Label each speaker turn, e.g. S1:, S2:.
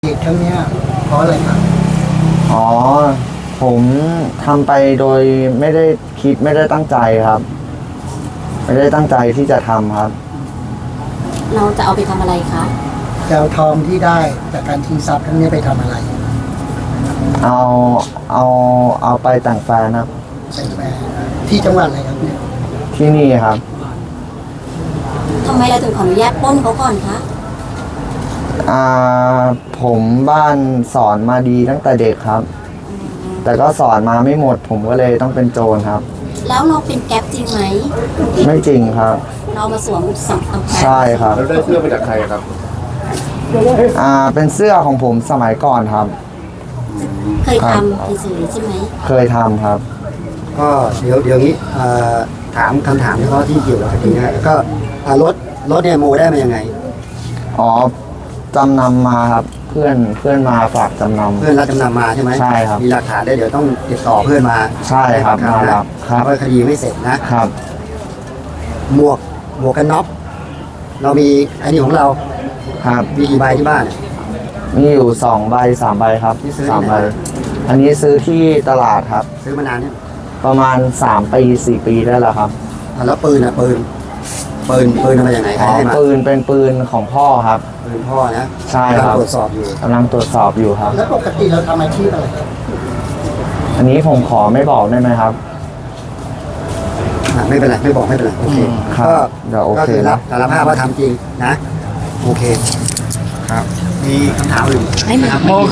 S1: เหตุครั้งเนี้ยเพราะอะไรครับ
S2: อ๋อผมทำไปโดยไม่ได้คิดไม่ได้ตั้งใจครับ ไม่ได้ตั้งใจที่จะทำครับ
S3: เราจะเอาไปทำอะไรคะ
S1: จะเอาทองที่ได้จากการชิงทรัพย์ครั้งนี้ไปทำอะไร
S2: เอาเอาเอาไปแต่งแฟนครับ
S1: ใส่แฟนที่จังหวัดอะไรครับเนี่ย
S2: ที่นี่ครับ
S3: ทำไมเราถึงขออนุญาตปล้นเขาก่อนคะ
S2: อ่าผมบ้านสอนมาดีตั้งแต่เด็กครับ แต่ก็สอนมาไม่หมด ผมก็เลยต้องเป็นโจรครับ
S3: แล้วเราเป็นแก๊ปจริงไหม
S2: ไม่จริงครับ
S3: เรามาสวมสัมภาระ
S2: ใช่ครับ
S4: แล้วได้เสื้อมาจากใครครับ
S2: เป็นเสื้อของผมสมัยก่อนครับ
S3: เคยทำเฉยๆใช่ไหม
S2: เคยทำครับ
S5: ก็เดี๋ยวนี้ถามคำถามเฉพาะที่เกี่ยวกับคดีนะแล้วก็รถเนี่ยโมได้มายังไง
S2: อ๋อจำนำมาครับ เพื่อนมาฝากจำนำ
S5: เพื่อนรับจำนำมาใช่ไหม
S2: ใช่ครับ
S5: มีหลักฐานได้เดี๋ยวต้องติดต่อเพื่อนมา
S2: ใช่ครับมารับ
S5: ครับเพราะคดีไม่เสร็จนะครับหมวกกันน็อกเรามีอันนี้ของเรา
S2: ครับ
S5: มีกี่ใบที่บ้าน
S2: มีอยู่2 ใบ 3 ใบครับ3 ใบอันนี้ซื้อที่ตลาดครับ
S5: ซื้อมานานเนี่ย
S2: ประมาณ3 ปี 4 ปีได้แล้วครับ
S5: แล้วปืนทำมาอย่างไรใครให้มา
S2: ปืนเป็นปืนของพ่อครับ
S5: ปืนพ่อนะ
S2: ใช่ครับ
S5: ตรวจสอบอยู่
S2: กำลังตรวจสอบอยู่ครับ
S1: แล้วปกติเราทำอาชีพอะไรครับ
S2: อันนี้ผมขอไม่บอกได้ไหมครับ
S5: ไม่เป็นไรไม่บอกไม่เป็นไรโอเค
S2: ก็เดี๋ยวโอเค
S5: นะสารภาพว่าทำจริงนะโอเคครับมีคำถามอื่น
S3: ไม่มี